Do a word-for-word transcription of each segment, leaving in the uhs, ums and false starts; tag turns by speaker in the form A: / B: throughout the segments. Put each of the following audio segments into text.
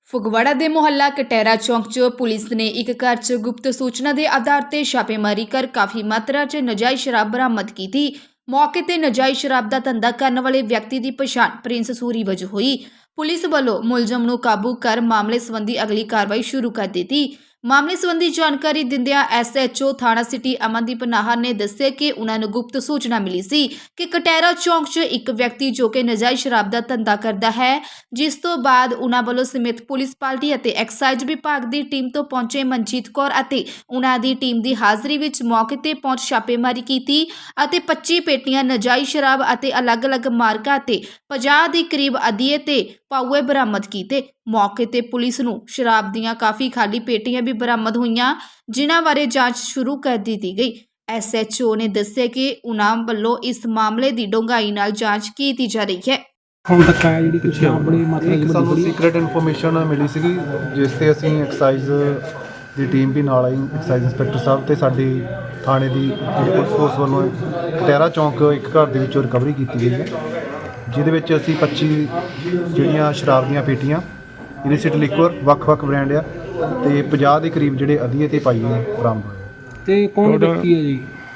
A: ਫਗਵਾੜਾ ਦੇ ਮੁਹੱਲਾ ਕਟਹਿਰਾ ਚੌਂਕ 'ਚ ਪੁਲਿਸ ਨੇ ਇੱਕ ਘਰ 'ਚ ਗੁਪਤ ਸੂਚਨਾ ਦੇ ਆਧਾਰ ਤੇ ਛਾਪੇਮਾਰੀ ਕਰ ਕਾਫੀ ਮਾਤਰਾ 'ਚ ਨਜਾਇਜ਼ ਸ਼ਰਾਬ ਬਰਾਮਦ ਕੀਤੀ। ਮੌਕੇ ਤੇ ਨਜਾਇਜ਼ ਸ਼ਰਾਬ ਦਾ ਧੰਦਾ ਕਰਨ ਵਾਲੇ ਵਿਅਕਤੀ ਦੀ ਪਛਾਣ ਪ੍ਰਿੰਸ ਸੂਰੀ ਵਜੋਂ ਹੋਈ। ਪੁਲਿਸ ਵੱਲੋਂ ਮੁਲਜ਼ਮ ਨੂੰ ਕਾਬੂ ਕਰ ਮਾਮਲੇ ਸੰਬੰਧੀ ਅਗਲੀ ਕਾਰਵਾਈ ਸ਼ੁਰੂ ਕਰ ਦਿੱਤੀ। ਮਾਮਲੇ ਸੰਬੰਧੀ ਜਾਣਕਾਰੀ ਦਿੰਦਿਆਂ ਐਸ ਐਚ ਓ ਥਾਣਾ ਸਿਟੀ ਅਮਨਦੀਪ ਨਾਹਰ ਨੇ ਦੱਸਿਆ ਕਿ ਉਹਨਾਂ ਨੂੰ ਗੁਪਤ ਸੂਚਨਾ ਮਿਲੀ ਸੀ ਕਿ ਕਟਹਿਰਾ ਚੌਂਕ 'ਚ ਇੱਕ ਵਿਅਕਤੀ ਜੋ ਕਿ ਨਜਾਇਜ਼ ਸ਼ਰਾਬ ਦਾ ਧੰਦਾ ਕਰਦਾ ਹੈ, ਜਿਸ ਤੋਂ ਬਾਅਦ ਉਹਨਾਂ ਵੱਲੋਂ ਸਮੇਤ ਪੁਲਿਸ ਪਾਰਟੀ ਅਤੇ ਐਕਸਾਈਜ਼ ਵਿਭਾਗ ਦੀ ਟੀਮ ਤੋਂ ਪਹੁੰਚੇ ਮਨਜੀਤ ਕੌਰ ਅਤੇ ਉਹਨਾਂ ਦੀ ਟੀਮ ਦੀ ਹਾਜ਼ਰੀ ਵਿੱਚ ਮੌਕੇ ਤੇ ਪਹੁੰਚ ਛਾਪੇਮਾਰੀ ਕੀਤੀ ਅਤੇ ਪੱਚੀ ਪੇਟੀਆਂ ਨਜਾਇਜ਼ ਸ਼ਰਾਬ ਅਤੇ ਅਲੱਗ-ਅਲੱਗ ਮਾਰਕਾ ਅਤੇ ਪੰਜਾਹ ਦੇ ਕਰੀਬ ਅਧੀਏ ਤੇ ਪਾਊਏ ਬਰਾਮਦ ਕੀਤੇ। ਮੌਕੇ ਤੇ ਪੁਲਿਸ ਨੂੰ ਸ਼ਰਾਬ ਦੀਆਂ ਕਾਫੀ ਖਾਲੀ ਪੇਟੀਆਂ ਵੀ ਬਰਾਮਦ ਹੋਈਆਂ, ਜਿਨ੍ਹਾਂ ਬਾਰੇ ਜਾਂਚ ਸ਼ੁਰੂ ਕਰ ਦਿੱਤੀ ਗਈ। ਐਸ ਐਚ ਓ ਨੇ ਦੱਸਿਆ ਕਿ ਉਹਨਾਂ ਵੱਲੋਂ ਇਸ ਮਾਮਲੇ ਦੀ ਡੂੰਘਾਈ ਨਾਲ ਜਾਂਚ ਕੀਤੀ ਜਾ ਰਹੀ ਹੈ।
B: ਹੁਣ ਤੱਕ ਆਇਆ ਜਿਹੜੀ ਕੁਝ ਬੜੀ ਮਾਤਰਾ
C: ਇੱਕ ਸਾਨੂੰ ਸੀਕ੍ਰੇਟ ਇਨਫੋਰਮੇਸ਼ਨ ਮਿਲੀ ਸੀਗੀ, ਜਿਸ ਤੇ ਅਸੀਂ ਐਕਸਾਈਜ਼ ਦੀ ਟੀਮ ਵੀ ਨਾਲ ਆਈ। ਐਕਸਾਈਜ਼ ਇੰਸਪੈਕਟਰ ਸਾਹਿਬ ਤੇ ਸਾਡੀ ਥਾਣੇ ਦੀ ਪੁਲਿਸ ਫੋਰਸ ਵੱਲੋਂ ਕਟਹਿਰਾ ਚੌਂਕ ਇੱਕ ਘਰ ਦੇ ਵਿੱਚੋਂ ਰਿਕਵਰੀ ਕੀਤੀ ਗਈ ਹੈ, ਜਿਹਦੇ ਵਿੱਚ ਅਸੀਂ ਪੱਚੀ ਜਿਹੜੀਆਂ ਸ਼ਰਾਬ ਦੀਆਂ ਪੇਟੀਆਂ ਇਲਿਸਿਟ ਲਿਕਵਰ ਵੱਖ-ਵੱਖ ਬ੍ਰਾਂਡ ਆ ਤੇ ਪੰਜਾਹ ਦੇ ਕਰੀਬ ਜਿਹੜੇ ਅਧੀਏ ਤੇ ਪਾਈਏ ਬਰਾਮਦ ਹੋਏ।
B: ਤੇ ਕੌਣ ਵਿਅਕਤੀ ਹੈ ਜੀ?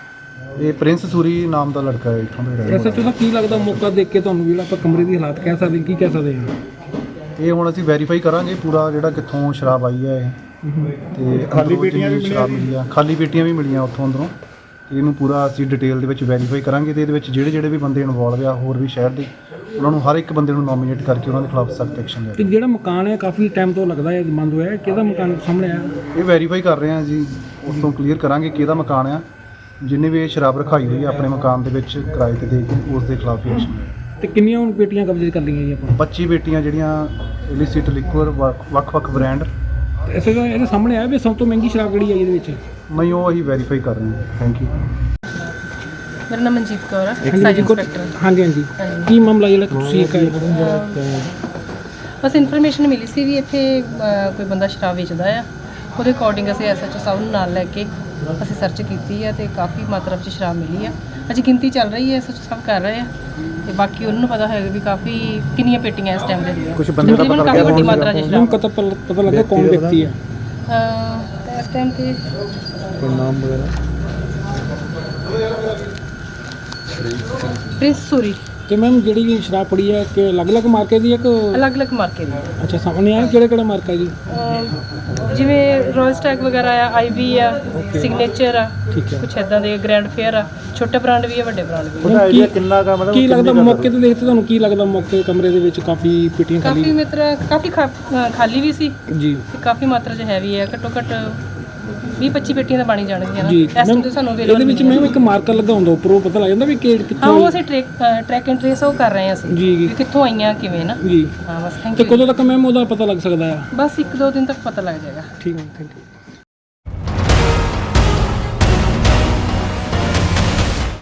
C: ਇਹ ਪ੍ਰਿੰਸ ਸੂਰੀ ਨਾਮ ਦਾ ਲੜਕਾ ਹੈ ਇੱਥੋਂ ਦਾ।
B: ਐਸ ਐਚ ਓ ਦਾ ਕੀ ਲੱਗਦਾ ਮੌਕਾ ਦੇਖ ਕੇ ਤੁਹਾਨੂੰ ਜਿਹੜਾ ਆਪਾਂ ਕਮਰੇ ਦੀ ਹਾਲਾਤ ਕਹਿ ਸਕਦੇ ਕੀ ਕਹਿ ਸਕਦੇ ਹਾਂ?
C: ਇਹ ਹੁਣ ਅਸੀਂ ਵੈਰੀਫਾਈ ਕਰਾਂਗੇ ਪੂਰਾ ਜਿਹੜਾ ਕਿੱਥੋਂ ਸ਼ਰਾਬ ਆਈ ਹੈ ਇਹ, ਤੇ ਖਾਲੀ ਪੇਟੀਆਂ ਵੀ ਸ਼ਰਾਬ ਮਿਲੀ ਆ, ਖਾਲੀ ਪੇਟੀਆਂ ਵੀ ਮਿਲੀਆਂ ਉੱਥੋਂ ਅੰਦਰੋਂ। ਇਹਨੂੰ ਪੂਰਾ ਅਸੀਂ ਡਿਟੇਲ ਦੇ ਵਿੱਚ ਵੈਰੀਫਾਈ ਕਰਾਂਗੇ ਤੇ ਇਹਦੇ ਵਿੱਚ ਜਿਹੜੇ ਜਿਹੜੇ ਵੀ ਬੰਦੇ ਇਨਵੋਲਵ ਆ ਹੋਰ ਵੀ ਸ਼ਹਿਰ ਦੇ, ਉਹਨਾਂ ਨੂੰ ਹਰ ਇੱਕ ਬੰਦੇ ਨੂੰ ਨੋਮੀਨੇਟ ਕਰਕੇ ਉਹਨਾਂ ਦੇ ਖਿਲਾਫ ਸਖਤ ਐਕਸ਼ਨ ਲਿਆ।
B: ਤੇ ਜਿਹੜਾ ਮਕਾਨ ਹੈ ਕਾਫੀ ਟਾਈਮ ਤੋਂ ਲੱਗਦਾ ਹੈ ਬੰਦ ਹੋਇਆ, ਕਿਹਦਾ ਮਕਾਨ ਸਾਹਮਣੇ ਆ?
C: ਇਹ ਵੈਰੀਫਾਈ ਕਰ ਰਹੇ ਹਾਂ ਜੀ, ਉਸ ਤੋਂ ਕਲੀਅਰ ਕਰਾਂਗੇ ਕਿਹਦਾ ਮਕਾਨ ਆ। ਜਿੰਨੇ ਵੀ ਇਹ ਸ਼ਰਾਬ ਰਖਾਈ ਹੋਈ ਹੈ ਆਪਣੇ ਮਕਾਨ ਦੇ ਵਿੱਚ ਕਿਰਾਏ ਤੇ ਦੇ ਕੇ ਉਸ ਦੇ ਖਿਲਾਫ ਐਕਸ਼ਨ ਲਿਆ।
B: ਤੇ ਕਿੰਨੀਆਂ ਹੁਣ ਪੇਟੀਆਂ ਕਬਜ਼ੇ ਕਰ ਲਈਆਂ ਜੀ ਆਪਾਂ?
C: ਪੱਚੀ ਪੇਟੀਆਂ ਜਿਹੜੀਆਂ ਇਲਿਸਿਟ ਲਿਕਵਰ ਵੱਖ-ਵੱਖ ਬ੍ਰਾਂਡ।
B: ਐਸੇ ਇਹਦੇ ਸਾਹਮਣੇ ਆਇਆ ਵੀ ਸਭ ਤੋਂ ਮਹਿੰਗੀ ਸ਼ਰਾਬ ਕਿਹੜੀ ਹੈ ਇਹਦੇ ਵਿੱਚ?
C: ਨਹੀਂ, ਉਹ ਅਸੀਂ ਵੈਰੀਫਾਈ ਕਰ ਰਹੇ ਹਾਂ। Thank you.
D: ਮੇਰਾ ਨਾਮ ਮਨਜੀਤ ਕੌਰ ਹੈ, ਐਕਸਾਈਜ਼ ਇੰਸਪੈਕਟਰ।
B: ਹਾਂਜੀ ਹਾਂਜੀ, ਕੀ ਮਾਮਲਾ ਜਿਹੜਾ ਤੁਸੀਂ ਇੱਕ
D: ਬਸ ਇਨਫੋਰਮੇਸ਼ਨ ਮਿਲੀ ਸੀ ਵੀ ਇੱਥੇ ਅ, ਕੋਈ ਬੰਦਾ ਸ਼ਰਾਬ ਵੇਚਦਾ ਆ। ਉਹਦੇ ਅਕੋਰਡਿੰਗ ਅਸੀਂ ਐਸ ਐਚ ਓ ਸਾਹਿਬ ਨੂੰ ਨਾਲ ਲੈ ਕੇ ਅਸੀਂ ਸਰਚ ਕੀਤੀ ਹੈ ਤੇ ਕਾਫੀ ਮਾਤਰਾ ਵਿੱਚ ਸ਼ਰਾਬ ਮਿਲੀ ਆ। ਅਜੇ ਗਿਣਤੀ ਚੱਲ ਰਹੀ ਹੈ, ਐਸ ਐਚ ਓ ਸਾਹਿਬ ਕਰ ਰਹੇ ਆ ਤੇ ਬਾਕੀ ਉਹਨਾਂ ਨੂੰ ਪਤਾ ਹੋਏਗਾ ਵੀ ਕਾਫੀ ਕਿੰਨੀਆਂ ਪੇਟੀਆਂ ਇਸ ਟਾਈਮ ਦੇ ਦੀਆਂ।
C: ਕੁਝ ਬੰਦੇ ਦਾ ਪਤਾ
D: ਕਾਫੀ ਵੱਡੀ ਮਾਤਰਾ ਵਿੱਚ ਸ਼ਰਾਬ।
B: ਪਤਾ ਪਤਾ ਲੱਗਾ ਕੌਣ ਵਿਅਕਤੀ ਹੈ
D: ਅ, ਇਸ ਟਾਈਮ ਤੇ
C: ਕੋਈ ਨਾਮ ਵਗੈਰਾ?
D: ਪ੍ਰਿੰਸ ਸੂਰੀ।
B: ਤੇ ਮੈਮ ਜਿਹੜੀ ਵੀ ਸ਼ਰਾਬ ਪੜੀ ਹੈ ਕਿ ਅਲੱਗ-ਅਲੱਗ ਮਾਰਕੇ ਦੀ ਹੈ ਕਿ
D: ਅਲੱਗ-ਅਲੱਗ ਮਾਰਕੇ ਦੀ।
B: ਅੱਛਾ, ਸਾਹਮਣੇ ਆਇਆ ਕਿਹੜਾ ਕਿਹੜਾ ਮਾਰਕਾ ਜੀ?
D: ਅ, ਜਿਵੇਂ ਰੋਇਲ ਸਟੈਕ ਵਗੈਰਾ ਆ, ਆਈ ਵੀ ਆ, ਸਿਗਨੇਚਰ ਆ,
B: ਠੀਕ ਹੈ।
D: ਕੁਛ ਇਦਾਂ ਦੇ ਗ੍ਰੈਂਡ ਫੇਅਰ ਆ, ਛੋਟੇ ਬ੍ਰਾਂਡ ਵੀ ਆ, ਵੱਡੇ ਬ੍ਰਾਂਡ ਵੀ ਆ।
B: ਉਹਦਾ ਆਈਡੀਆ ਕਿੰਨਾ ਕਾ ਮਤਲਬ ਕੀ ਲੱਗਦਾ ਮੌਕੇ ਤੇ ਦੇਖਦੇ ਤੁਹਾਨੂੰ ਕੀ ਲੱਗਦਾ? ਮੌਕੇ ਕਮਰੇ ਦੇ ਵਿੱਚ ਕਾਫੀ ਪੇਟੀਆਂ ਖਾਲੀ
D: ਕਾਫੀ ਮਾਤਰਾ ਕਾਫੀ ਖਾ- ਅ, ਖਾਲੀ ਵੀ ਸੀ
B: ਜੀ
D: ਤੇ ਕਾਫੀ ਮਾਤਰਾ 'ਚ ਹੈਵੀ ਹੈ। ਘੱਟੋ ਘੱਟ ਵੀਹ ਪੱਚੀ ਪੇਟੀਆਂ ਤਾਂ ਬਣੀ ਜਾਣਗੀਆਂ ਨਾ
B: ਜੀ।
D: ਇਸ ਟਾਈਮ ਤੇ ਸਾਨੂੰ
B: ਇਹਦੇ ਵਿੱਚ ਮੈਮ ਇੱਕ ਮਾਰਕਰ ਲੱਗਾ ਹੁੰਦਾ ਉੱਪਰੋਂ, ਪਤਾ ਲੱਗ ਜਾਂਦਾ ਵੀ ਕਿ
D: ਹਾਂ,
B: ਕਿੱਥੋਂ?
D: ਉਹ ਅਸੀਂ ਟ੍ਰੈਕ ਟਰੈਕ ਐਂਡ ਟ੍ਰੇਸ ਉਹ ਕਰ ਰਹੇ ਹਾਂ ਅਸੀਂ
B: ਜੀ ਜੀ
D: ਵੀ ਕਿੱਥੋਂ ਆਈਆਂ ਕਿਵੇਂ ਨਾ।
B: ਜੀ।
D: ਹਾਂ ਬਸ ਥੈਂਕ
B: ਤੇ
D: ਯੂ।
B: ਕਦੋਂ ਤੱਕ ਮੈਮ ਉਹਦਾ ਪਤਾ ਲੱਗ ਸਕਦਾ ਆ?
D: ਬਸ ਇੱਕ ਦੋ ਦਿਨ ਤੱਕ ਪਤਾ ਲੱਗ ਜਾਏਗਾ।
B: ਠੀਕ ਹੈ, ਥੈਂਕ ਯੂ।